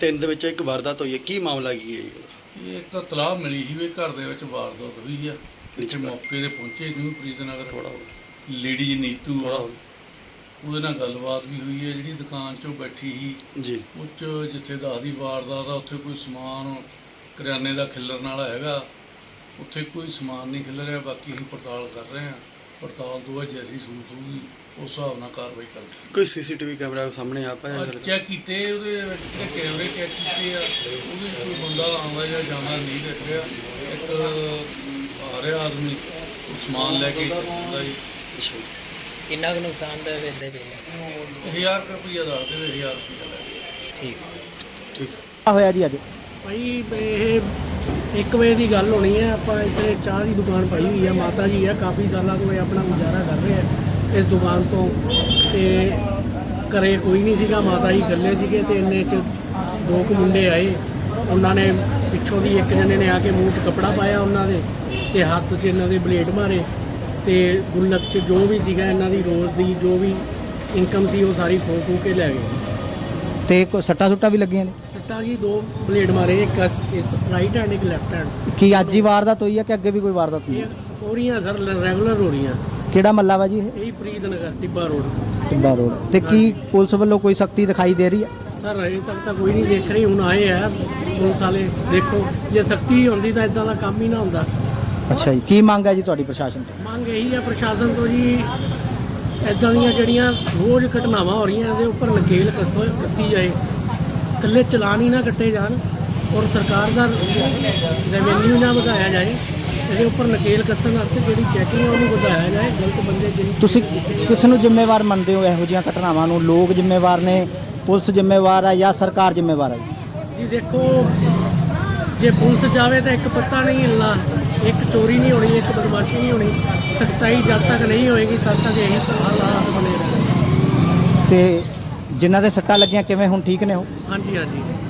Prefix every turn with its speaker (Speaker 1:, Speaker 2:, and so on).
Speaker 1: 3 ਦੇ ਵਿੱਚ ਇੱਕ ਵਾਰਦਾਤ ਹੋਈ ਹੈ, ਕੀ ਮਾਮਲਾ ਕੀ ਹੈ ਜੀ?
Speaker 2: ਇਹ ਤਾਂ ਤਲਾਹ ਮਿਲੀ ਸੀ ਵੀ ਘਰ ਦੇ ਵਿੱਚ ਵਾਰਦਾਤ ਹੋਈ ਆ। ਇੱਥੇ ਮੌਕੇ 'ਤੇ ਪਹੁੰਚੇ ਨਿਊ ਪ੍ਰੀਜ਼ਨਗਰ ਥੋੜਾ ਲੇਡੀ ਨੀਤੂ ਆ, ਉਹਦੇ ਨਾਲ ਗੱਲਬਾਤ ਵੀ ਹੋਈ ਹੈ। ਜਿਹੜੀ ਦੁਕਾਨ 'ਚੋਂ ਬੈਠੀ ਸੀ
Speaker 1: ਜੀ,
Speaker 2: ਉਹ 'ਚ ਜਿੱਥੇ ਦੱਸਦੀ ਵਾਰਦਾਤ ਆ ਉੱਥੇ ਕੋਈ ਸਮਾਨ ਕਰਿਆਨੇ ਦਾ ਖਿਲਰਨ ਵਾਲਾ ਹੈਗਾ, ਉੱਥੇ ਕੋਈ ਸਮਾਨ ਨਹੀਂ ਖਿਲਰ ਰਿਹਾ। ਬਾਕੀ ਅਸੀਂ ਪੜਤਾਲ ਕਰ ਰਹੇ ਹਾਂ। ਪੜਤਾਲ ਤੋਂ ਬਾਅਦ ਜੈਸੀ ਸੂਰਤ ਹੋਊਗੀ ਉਸ ਹਿਸਾਬ ਨਾਲ ਕਾਰਵਾਈ ਕਰ ਦਿੱਤੀ।
Speaker 1: ਕੋਈ ਸੀਸੀਟੀਵੀ ਕੈਮਰਾ ਸਾਹਮਣੇ ਆ ਪਾਇਆ?
Speaker 2: ਚੈੱਕ ਕੀਤੇ, ਉਹਦੇ ਜਿਹੜੇ ਕੈਮਰੇ ਚੈੱਕ ਕੀਤੇ ਆ, ਉਹਦੇ ਕੋਈ ਬੰਦਾ ਆਉਂਦਾ ਜਾਂ ਜਾਂਦਾ ਨਹੀਂ ਦਿਖ ਰਿਹਾ। ਇੱਕ ਆ ਰਿਹਾ ਆਦਮੀ, ਉਹ ਸਮਾਨ ਲੈ ਕੇ ਆਉਂਦਾ ਜੀ।
Speaker 3: ਕਿੰਨਾ ਕੁ ਨੁਕਸਾਨ ਦਾ ਵੇਚਦੇ ਪਏ?
Speaker 2: 1000 ਰੁਪਈਆ ਦੱਸ ਦੇਵੇ, 1000 ਰੁਪਈਆ ਲੈ
Speaker 3: ਠੀਕ
Speaker 1: ਠੀਕ
Speaker 4: ਹੋਇਆ ਜੀ ਅੱਜ?
Speaker 5: ਭਾਈ ਇਹ 1 ਵਜੇ ਦੀ ਗੱਲ ਹੋਣੀ ਹੈ। ਆਪਾਂ ਇੱਥੇ ਚਾਹ ਦੀ ਦੁਕਾਨ ਪਾਈ ਹੋਈ ਹੈ, ਮਾਤਾ ਜੀ ਹੈ, ਕਾਫੀ ਸਾਲਾਂ ਤੋਂ ਇਹ ਆਪਣਾ ਗੁਜ਼ਾਰਾ ਕਰ ਰਹੇ ਆ ਇਸ ਦੁਕਾਨ ਤੋਂ। ਤੇ ਘਰੇ ਕੋਈ ਨਹੀਂ ਸੀਗਾ, ਮਾਤਾ ਜੀ ਇਕੱਲੇ ਸੀਗੇ ਤੇ ਇੰਨੇ 'ਚ 2 ਕੁ ਮੁੰਡੇ ਆਏ। ਉਹਨਾਂ ਨੇ ਪਿੱਛੋਂ ਦੀ ਇੱਕ ਜਣੇ ਨੇ ਆ ਕੇ ਮੂੰਹ 'ਚ ਕੱਪੜਾ ਪਾਇਆ ਉਹਨਾਂ ਦੇ, ਤੇ ਹੱਥ 'ਚ ਇਹਨਾਂ ਦੇ ਬਲੇਡ ਮਾਰੇ, ਤੇ ਗੁੱਲਕ 'ਚ ਜੋ ਵੀ ਸੀਗਾ ਇਹਨਾਂ ਦੀ ਰੋਜ਼ ਦੀ ਜੋ ਵੀ ਇਨਕਮ ਸੀ ਉਹ ਸਾਰੀ ਖੋ ਕੇ ਲੈ ਗਏ।
Speaker 4: ਤੇ ਕੋਈ ਸੱਟਾਂ ਸੁੱਟਾਂ ਵੀ ਲੱਗੀਆਂ ਨੇ?
Speaker 5: ਸੱਟਾਂ ਜੀ 2 ਬਲੇਡ ਮਾਰੇ, ਇੱਕ ਇਸ ਰਾਈਟ ਹੈਂਡ, ਇੱਕ ਲੈਫਟ ਹੈਂਡ।
Speaker 4: ਕੀ ਅੱਜ ਹੀ ਵਾਰਦਾਤ ਹੋਈ ਹੈ ਕਿ ਅੱਗੇ ਵੀ ਕੋਈ ਵਾਰਦਾਤ ਹੋਈ ਹੈ?
Speaker 5: ਇਹ ਹੋ ਰਹੀਆਂ ਸਰ, ਰੈਗੂਲਰ ਹੋ ਰਹੀਆਂ।
Speaker 4: ਕਿਹੜਾ ਮੱਲਾ ਵਾ ਜੀ ਇਹ?
Speaker 5: ਇਹੀ ਪ੍ਰੀਤ ਨਗਰ ਟਿੱਬਾ ਰੋਡ।
Speaker 4: ਟਿੱਬਾ ਰੋਡ। ਤੇ ਕੀ ਪੁਲਿਸ ਵੱਲੋਂ ਕੋਈ ਸਖਤੀ ਦਿਖਾਈ ਦੇ ਰਹੀ ਹੈ?
Speaker 5: ਸਰ ਅਜੇ ਤੱਕ ਤਾਂ ਕੋਈ ਨਹੀਂ ਦੇਖ ਰਹੀ, ਹੁਣ ਆਏ ਆ ਪੁਲਿਸ ਵਾਲੇ। ਦੇਖੋ ਜੇ ਸਖਤੀ ਹੁੰਦੀ ਤਾਂ ਇਦਾਂ ਦਾ ਕੰਮ ਹੀ ਨਾ ਹੁੰਦਾ।
Speaker 4: ਅੱਛਾ ਜੀ, ਕੀ ਮੰਗ ਹੈ ਜੀ ਤੁਹਾਡੀ ਪ੍ਰਸ਼ਾਸਨ ਤੋਂ?
Speaker 5: ਮੰਗ ਇਹੀ ਹੈ ਪ੍ਰਸ਼ਾਸਨ ਤੋਂ ਜੀ, ਇਦਾਂ ਦੀਆਂ ਜਿਹੜੀਆਂ ਰੋਜ਼ ਘਟਨਾਵਾਂ ਹੋ ਰਹੀਆਂ ਇਹਦੇ ਉੱਪਰ ਨਕੇਲ ਕੱਸੀ ਜਾਏ। ਇਕੱਲੇ ਚਲਾਨ ਹੀ ਨਾ ਕੱਟੇ ਜਾਣ, ਔਰ ਸਰਕਾਰ ਦਾ ਰੈਵਨਿਊ ਨਾ ਵਧਾਇਆ ਜਾਏ। ਇਹਦੇ ਉੱਪਰ ਨਕੇਲ ਕੱਸਣ ਵਾਸਤੇ ਜਿਹੜੀ ਚੈਕਿੰਗ ਹੈ ਉਹਨੂੰ ਵਧਾਇਆ ਜਾਏ। ਗਲਤ ਬੰਦੇ ਜਿਹਨੂੰ
Speaker 4: ਤੁਸੀਂ ਕਿਸ ਨੂੰ ਜ਼ਿੰਮੇਵਾਰ ਮੰਨਦੇ ਹੋ ਇਹੋ ਜਿਹੀਆਂ ਘਟਨਾਵਾਂ ਨੂੰ? ਲੋਕ ਜ਼ਿੰਮੇਵਾਰ ਨੇ, ਪੁਲਿਸ ਜ਼ਿੰਮੇਵਾਰ ਹੈ ਜਾਂ ਸਰਕਾਰ ਜ਼ਿੰਮੇਵਾਰ ਹੈ
Speaker 5: ਜੀ? ਦੇਖੋ ਜੇ ਪੁਲਿਸ ਜਾਵੇ ਤਾਂ ਇੱਕ ਪੱਤਾ ਨਹੀਂ ਹਿੱਲਣਾ, ਇੱਕ ਚੋਰੀ ਨਹੀਂ ਹੋਣੀ, ਇੱਕ ਬਦਮਾਸ਼ੀ ਨਹੀਂ ਹੋਣੀ। ਸਖਤਾਈ ਜਦ ਤੱਕ ਨਹੀਂ ਹੋਏਗੀ ਤਦ ਤੱਕ ਇਹੀ ਹਾਲਾਤ ਬਣੇ ਰਹਿਣਗੇ।
Speaker 4: ਤੇ ਜਿਨ੍ਹਾਂ ਦੇ ਸੱਟਾਂ ਲੱਗੀਆਂ ਕਿਵੇਂ ਹੁਣ ਠੀਕ ਨੇ ਉਹ?
Speaker 5: ਹਾਂਜੀ ਹਾਂਜੀ।